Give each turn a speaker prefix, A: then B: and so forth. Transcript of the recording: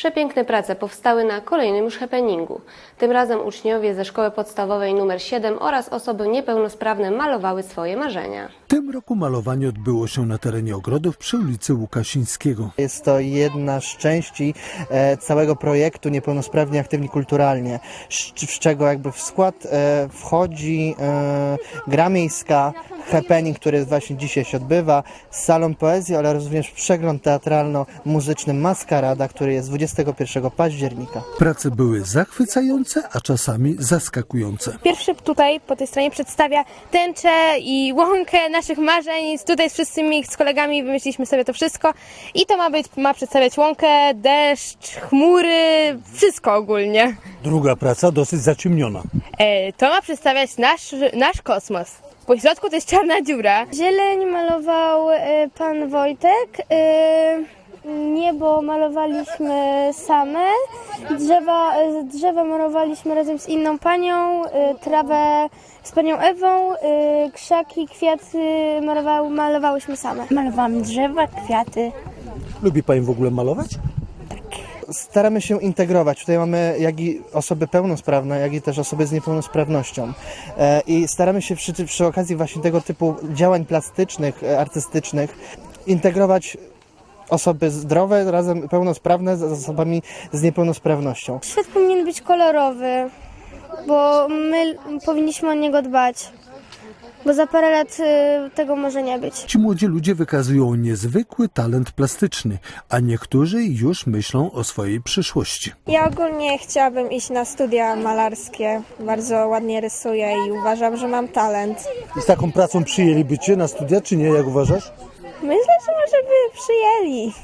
A: Przepiękne prace powstały na kolejnym już happeningu. Tym razem uczniowie ze szkoły podstawowej nr 7 oraz osoby niepełnosprawne malowały swoje marzenia.
B: W tym roku malowanie odbyło się na terenie ogrodów przy ulicy Łukasińskiego.
C: Jest to jedna z części całego projektu Niepełnosprawni Aktywni Kulturalnie, z czego jakby w skład wchodzi gra miejska, happening, który właśnie dzisiaj się odbywa, salon poezji, ale również przegląd teatralno-muzyczny Maskarada, który jest 21 października.
B: Prace były zachwycające, a czasami zaskakujące.
D: Pierwszy tutaj po tej stronie przedstawia tęczę i łąkę naszych marzeń. Tutaj z wszystkimi z kolegami wymyśliliśmy sobie to wszystko i to ma przedstawiać łąkę, deszcz, chmury, wszystko ogólnie.
E: Druga praca dosyć zaciemniona.
D: To ma przedstawiać nasz kosmos. Po środku to jest czarna dziura.
F: Zieleń malował pan Wojtek, niebo malowaliśmy same, drzewa malowaliśmy razem z inną panią, trawę z panią Ewą, krzaki, kwiaty malowałyśmy same.
G: Malowałam drzewa, kwiaty.
E: Lubi Pani w ogóle malować?
C: Staramy się integrować. Tutaj mamy jak i osoby pełnosprawne, jak i też osoby z niepełnosprawnością. I staramy się przy okazji właśnie tego typu działań plastycznych, artystycznych integrować osoby zdrowe, razem pełnosprawne z osobami z niepełnosprawnością.
F: Świat powinien być kolorowy, bo my powinniśmy o niego dbać, bo za parę lat tego może nie być.
B: Ci młodzi ludzie wykazują niezwykły talent plastyczny, a niektórzy już myślą o swojej przyszłości.
H: Ja ogólnie chciałabym iść na studia malarskie. Bardzo ładnie rysuję i uważam, że mam talent.
E: I z taką pracą przyjęliby Cię na studia, czy nie, jak uważasz?
H: Myślę, że może by przyjęli.